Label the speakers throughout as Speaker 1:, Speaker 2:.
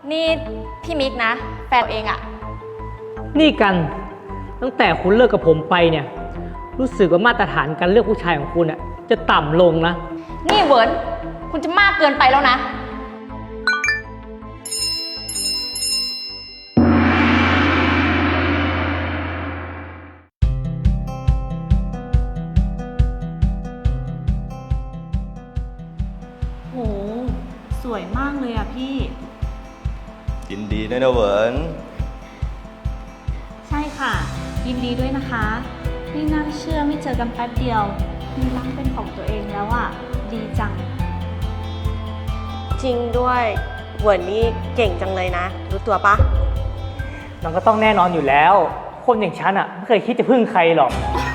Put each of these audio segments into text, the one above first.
Speaker 1: นี่พี่มิกนะแฟนเองอะ
Speaker 2: นี่กันตั้งแต่คุณเลิกกับผมไปเนี่ยรู้สึกว่ามาตรฐานการเลือกผู้ชายของคุณอะจะต่ำลงนะ
Speaker 1: นี่เวิร์นคุณจะมากเกินไปแล้วนะ
Speaker 3: โหสวยมากเลยอะพี่
Speaker 4: ยินดีด้วยนะเหวิน
Speaker 3: ใช่ค่ะยินดีด้วยนะคะไม่น่าเชื่อไม่เจอกันแป๊บเดียวมีร้านเป็นของตัวเองแล้วอะดีจัง
Speaker 5: จริงด้วยเหวินนี่เก่งจังเลยนะรู้ตัวปะ
Speaker 2: มันก็ต้องแน่นอนอยู่แล้วคนอย่างฉันอะไม่เคยคิดจะพึ่งใครหรอก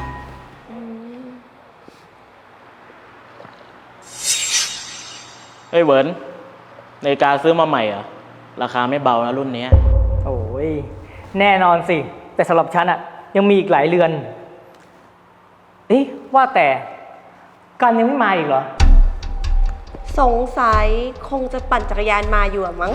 Speaker 6: เฮ้ยเวิร์นนาฬิกาซื้อมาใหม่เหรอราคาไม่เบานะรุ่นนี้
Speaker 2: โอ้ยแน่นอนสิแต่สำหรับฉันอะยังมีอีกหลายเรือนเอ๊ะว่าแต่กันยังไม่มาอีกเหรอ
Speaker 5: สงสัยคงจะปั่นจักรยานมาอยู่อะมั้ง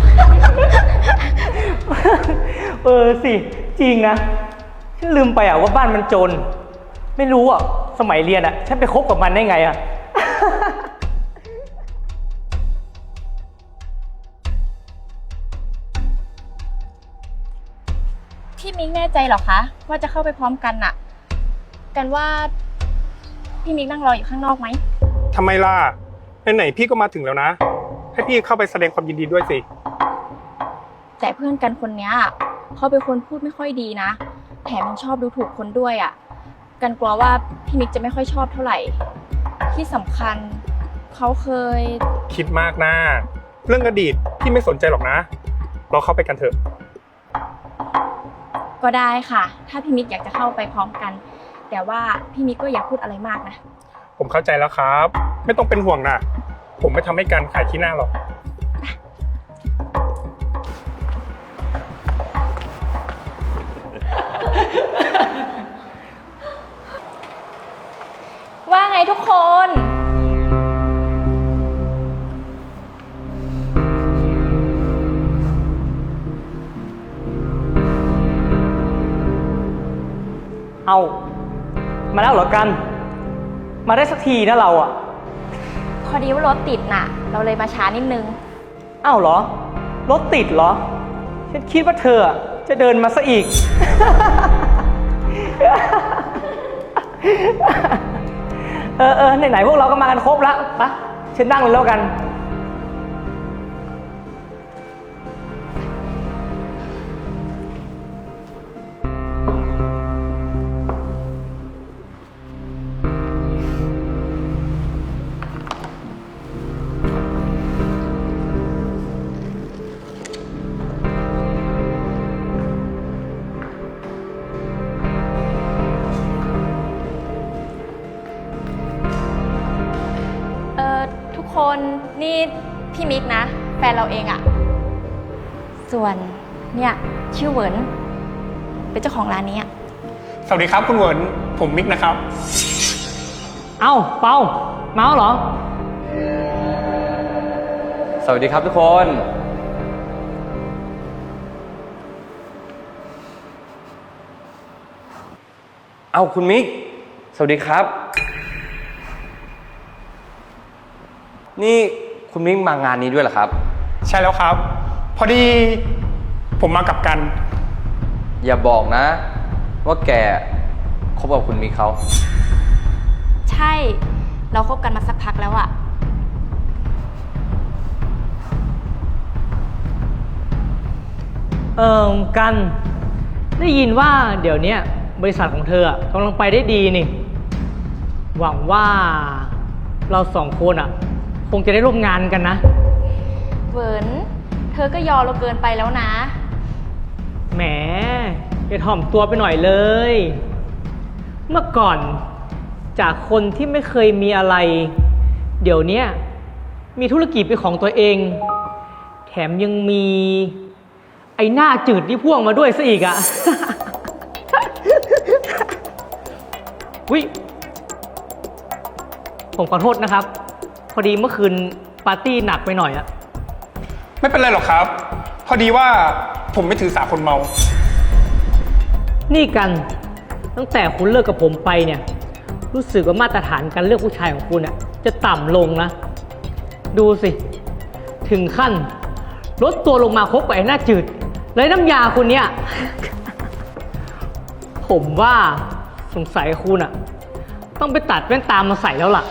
Speaker 2: สิจริงนะฉันลืมไปอะว่าบ้านมันจนไม่รู้อะสมัยเรียนอะฉันไปคบกับมันได้ไงอะ
Speaker 1: พี่มิกแน่ใจเหรอคะว่าจะเข้าไปพร้อมกันน่ะกันว่าพี่มิกนั่งรออยู่ข้างนอกไหม
Speaker 7: ทำไมล่ะไหนๆพี่ก็มาถึงแล้วนะให้พี่เข้าไปแสดงความยินดีด้วยสิ
Speaker 1: แต่เพื่อนกันคนนี้เขาเป็นคนพูดไม่ค่อยดีนะแถมยังชอบดูถูกคนด้วยอ่ะกันกลัวว่าพี่มิกจะไม่ค่อยชอบเท่าไหร่ที่สำคัญเขาเคย
Speaker 7: คิดมากนะเรื่องอดีตพี่ไม่สนใจหรอกนะเราเข้าไปกันเถอะ
Speaker 1: ก็ได้ค่ะถ้าพี่มิกอยากจะเข้าไปพร้อมกันแต่ว่าพี่มิกก็อย่าพูดอะไรมากนะ
Speaker 7: ผมเข้าใจแล้วครับไม่ต้องเป็นห่วงนะผมไม่ทำให้การขายขี้หน้าหรอก
Speaker 1: ว่าไงทุกคน
Speaker 2: เอามาแล้วเหรอกันมาได้สักทีนะเราอะ
Speaker 1: พอดีว่ารถติดน่ะเราเลยมาช้านิดนึง
Speaker 2: อ้าวเหรอรถติดเหรอฉันคิดว่าเธอจะเดินมาซะอีก ไหนๆพวกเราก็มากันครบแล้วปะฉันนั่งเลยแล้วกัน
Speaker 1: ทุกคนนี่พี่มิกนะแฟนเราเองอะส่วนเนี่ยชื่อเหวินเป็นเจ้าของร้านนี้อะ
Speaker 7: สวัสดีครับคุณเหวินผมมิกนะครับ
Speaker 2: เอ้าเปาเมาเหรอ
Speaker 4: สวัสดีครับทุกคน เอ้าคุณมิกสวัสดีครับนี่คุณมิกมางานนี้ด้วยเหรอครับ
Speaker 7: ใช่แล้วครับพอดีผมมากับกัน
Speaker 4: อย่าบอกนะว่าแกคบกับคุณมิกเขา
Speaker 1: ใช่เราคบกันมาสักพักแล้วอะ
Speaker 2: กันได้ยินว่าเดี๋ยวนี้บริษัทของเธอกำลังไปได้ดีนี่หวังว่าเราสองคนคงจะได้ร่วมงานกันนะ
Speaker 1: เวิร์นเธอก็ยอเราเกินไปแล้วนะ
Speaker 2: แหมอย่าถ่อมตัวไปหน่อยเลยเมื่อก่อนจากคนที่ไม่เคยมีอะไรเดี๋ยวนี้มีธุรกิจเป็นของตัวเองแถมยังมีไอ้หน้าจืดที่พ่วงมาด้วยซะอีกอะ ผมขอโทษนะครับพอดีเมื่อคืนปาร์ตี้หนักไปหน่อยอะ
Speaker 7: ไม่เป็นไรหรอกครับ พอดีว่าผมไม่ถือสาคนเมา
Speaker 2: นี่กันตั้งแต่คุณเลิกกับผมไปเนี่ย รู้สึกว่ามาตรฐานการเลือกผู้ชายของคุณอะจะต่ำลงนะ ดูสิ ถึงขั้นลดตัวลงมาคบกับไอ้หน้าจืดเลยน้ำยาคุณเนี่ย ผมว่าสงสัยคุณอะต้องไปตัดแว่นตามาใส่แล้วล่ะ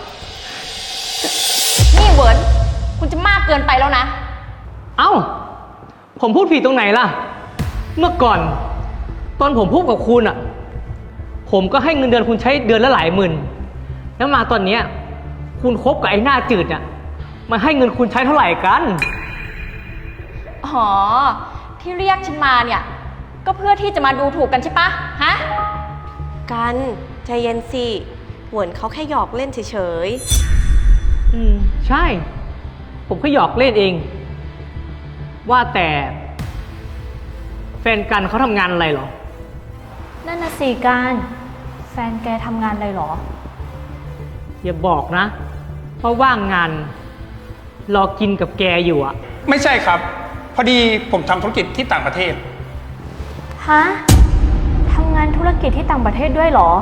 Speaker 1: นี่เหวิร์นคุณจะมากเกินไปแล้วนะ
Speaker 2: เอ้า ผมพูดผิดตรงไหนล่ะ เมื่อก่อน ตอนผมพูดกับคุณอ่ะ ผมก็ให้เงินเดือนคุณใช้เดือนละหลายหมื่น แล้วมาตอนเนี้ยคุณคบกับไอ้หน้าจืดอ่ะมันให้เงินคุณใช้เท่าไหร่กัน
Speaker 1: อ๋อ ที่เรียกฉันมาเนี่ย ก็เพื่อที่จะมาดูถูกกันใช่ปะฮะ
Speaker 5: กันใจเย็นสิเหวินเขาแค่หยอกเล่นเฉย
Speaker 2: ใช่ ผมแค่หยอกเล่นเอง ว่าแต่แฟนกันเขาทำงานอะไรเหรอ
Speaker 3: นั่นน่ะสิการแฟนแกทำงานอะไรหรอ
Speaker 2: อย่าบอกนะเพราะว่างงานรอกินกับแกอยู่อ่ะ
Speaker 7: ไม่ใช่ครับ พอดีผมทำธุรกิจที่ต่างประเทศ
Speaker 3: ฮะ ทำงานธุรกิจที่ต่างประเทศด้วยเหรอ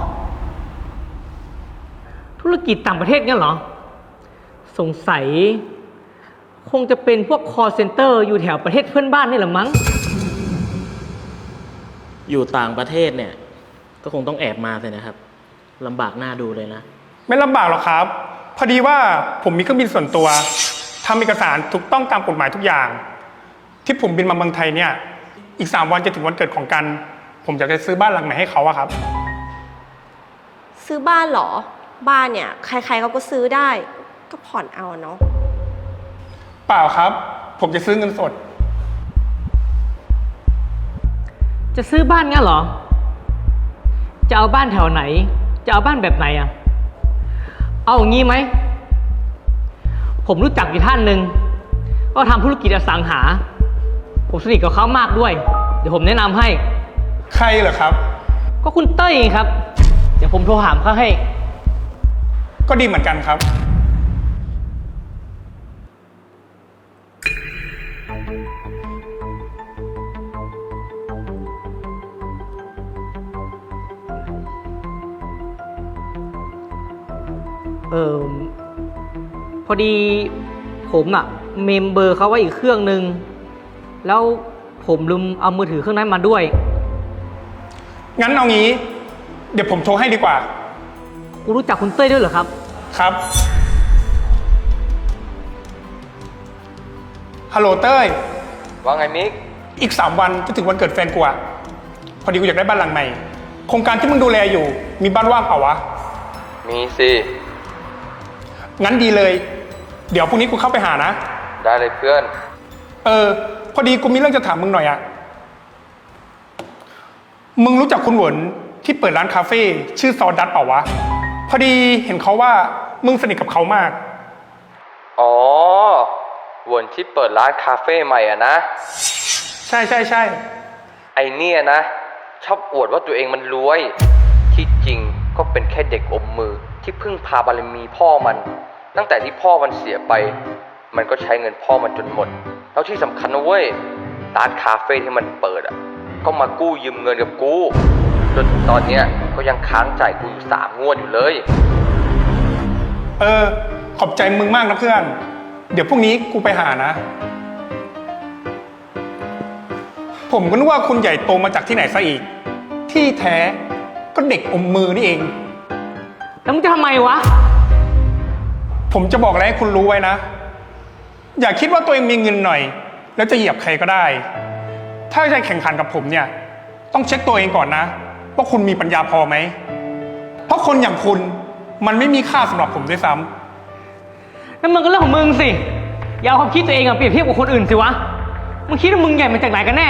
Speaker 2: ธุรกิจต่างประเทศเนี่ยเหรอ สงสัย คงจะเป็นพวก call center อยู่แถวประเทศเพื่อนบ้านนี่แหละมั้ง
Speaker 6: อยู่ต่างประเทศเนี่ย ก็คงต้องแอบมาเลยนะครับลำบากหน้าดูเลยนะ
Speaker 7: ไม่ลำบากหรอกครับ พอดีว่าผมมีเครื่องบินส่วนตัวทำเอกสารถูกต้องตามกฎหมายทุกอย่าง ที่ผมบินมาเมืองไทยเนี่ย อีก3 วันจะถึงวันเกิดของกัน ผมอยากจะซื้อบ้านหลังใหม่ให้เขาอะครับ
Speaker 5: ๆ ซื้อบ้านเหรอ บ้านเนี่ยใครๆเขาก็ซื้อได้ ก็ผ่อนเอาเนาะ
Speaker 7: เปล่าครับ ผมจะซื้อเงินสด
Speaker 2: จะซื้อบ้านงั้นเหรอ จะเอาบ้านแถวไหน จะเอาบ้านแบบไหนอ่ะ เอาอย่างงี้ไหม ผมรู้จักอยู่ท่านหนึ่งก็ทำธุรกิจอสังหา ผมสนิทกับเขามากด้วย เดี๋ยวผมแนะนำให้
Speaker 7: ใครเหรอครับ
Speaker 2: ก็คุณเต้ยไงครับ เดี๋ยวผมโทรหามเขาให้
Speaker 7: ก็ดีเหมือนกันครับ
Speaker 2: พอดีผมอะเมมเบอร์เขาไว้อีกเครื่องนึง แล้วผมลืมเอามือถือเครื่องนั้นมาด้วย
Speaker 7: งั้นเอางี้ เดี๋ยวผมโทรให้ดีกว่า
Speaker 2: กูรู้จักคุณเต้ยด้วยเหรอครับ
Speaker 7: ครับ ฮัลโหลเต้ย
Speaker 4: ว่าไงมิก
Speaker 7: อีก3 วันจะถึงวันเกิดแฟนกูอะพอดีกูอยากได้บ้านหลังใหม่ โครงการที่มึงดูแลอยู่ มีบ้านว่างเปล่าวะ
Speaker 4: มีสิ
Speaker 7: งั้นดีเลย เดี๋ยวพรุ่งนี้กูเข้าไปหานะ
Speaker 4: ได้เลยเพื่อน
Speaker 7: พอดีกูมีเรื่องจะถามมึงหน่อยอะมึงรู้จักคุณหวนที่เปิดร้านคาเฟ่ชื่อซอดัตเปล่าวะ พอดีเห็นเขาว่ามึงสนิทกับเขามาก
Speaker 4: อ๋อวนที่เปิดร้านคาเฟ่ใหม่อะนะ
Speaker 7: ใช่
Speaker 4: ไอเนี่ยนะ ชอบอวดว่าตัวเองมันรวย ที่จริงก็เป็นแค่เด็กอมมือที่พึ่งพาบารมีพ่อมัน ตั้งแต่ที่พ่อมันเสียไป มันก็ใช้เงินพ่อมันจนหมด แล้วที่สำคัญนะเว้ยร้านคาเฟ่ที่มันเปิดอ่ะก็มากู้ยืมเงินกับกูจนถึงตอนเนี้ยก็ยังค้างจ่ายกูอยู่3 งวดอยู่เลย
Speaker 7: ขอบใจมึงมากนะเพื่อน เดี๋ยวพรุ่งนี้กูไปหานะ ผมก็นึกว่าคุณใหญ่โตมาจากที่ไหนซะอีก ที่แท้ก็เด็กอมมือนี่เอง
Speaker 2: แล้วมึงจะทำไมวะ
Speaker 7: ผมจะบอกอะไรให้คุณรู้ไว้นะ อย่าคิดว่าตัวเองมีเงินหน่อย แล้วจะเหยียบใครก็ได้ ถ้าจะแข่งขันกับผมเนี่ย ต้องเช็คตัวเองก่อนนะว่าคุณมีปัญญาพอไหม เพราะคนอย่างคุณมันไม่มีค่าสำหรับผมด้วยซ้ำ
Speaker 2: นั่นมึงก็เรื่องของมึงสิ อย่าเอาความคิดตัวเองอะเปรียบเทียบกับคนอื่นสิวะ มึงคิดว่ามึงใหญ่มาจากไหนกันแน่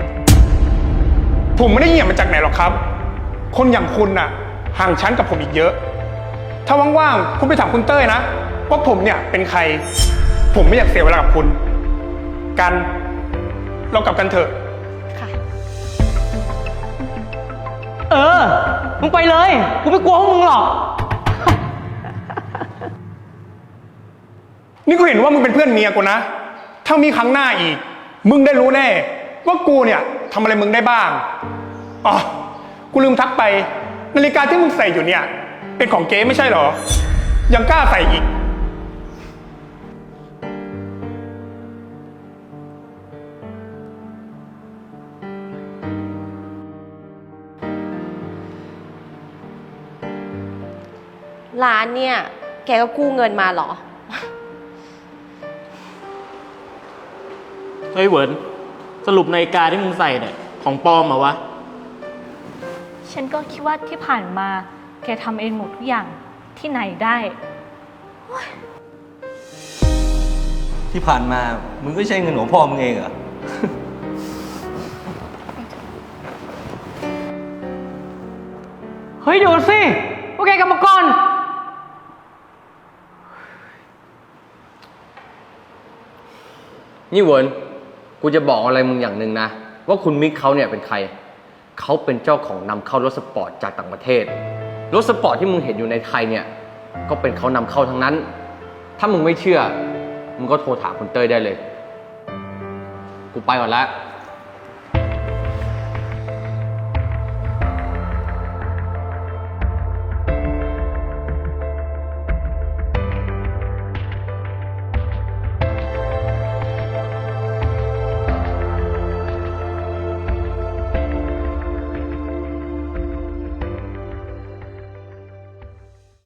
Speaker 7: ผมไม่ได้เหยียบมาจากไหนหรอกครับ คนอย่างคุณน่ะห่างชั้นกับผมอีกเยอะ ถ้าว่างๆคุณไปถามคุณเต้ยนะว่าผมเนี่ยเป็นใคร ผมไม่อยากเสียเวลากับคุณ กันเรากลับกันเถอะ
Speaker 2: มึงไปเลย กูไม่กลัวพวกมึงหรอก
Speaker 7: นี่กูเห็นว่ามึงเป็นเพื่อนเมียกูนะถ้ามีครั้งหน้าอีก มึงได้รู้แน่ ว่ากูเนี่ยทำอะไรมึงได้บ้าง อ๋อ กูลืมทักไป นาฬิกาที่มึงใส่อยู่เนี่ย เป็นของเก๊ไม่ใช่เหรอ ยังกล้าใส่อีก
Speaker 5: ร้านเนี่ย แกก็กู้เงินมาเหรอ
Speaker 6: เฮ้ยเหวินสรุปนาฬิกาที่มึงใส่เนี่ย ของปลอมเหรอวะ
Speaker 3: ฉันก็คิดว่าที่ผ่านมาแกทำเองหมดทุกอย่างที่ไหนได้
Speaker 8: ที่ผ่านมา มึงก็ใช้เงินของพ่อมึงเองเหรอ
Speaker 2: เฮ้ยเดี๋ยวสิพวกแกกลับมาก่อน
Speaker 4: นี่เวิร์นกูจะบอกอะไรมึงอย่างหนึ่งนะ ว่าคุณมิกเขาเนี่ยเป็นใคร เขาเป็นเจ้าของนำเข้ารถสปอร์ตจากต่างประเทศ รถสปอร์ตที่มึงเห็นอยู่ในไทยเนี่ย ก็เป็นเขานำเข้าทั้งนั้น ถ้ามึงไม่เชื่อ มึงก็โทรถามคุณเต้ยได้เลย กูไปก่อนละ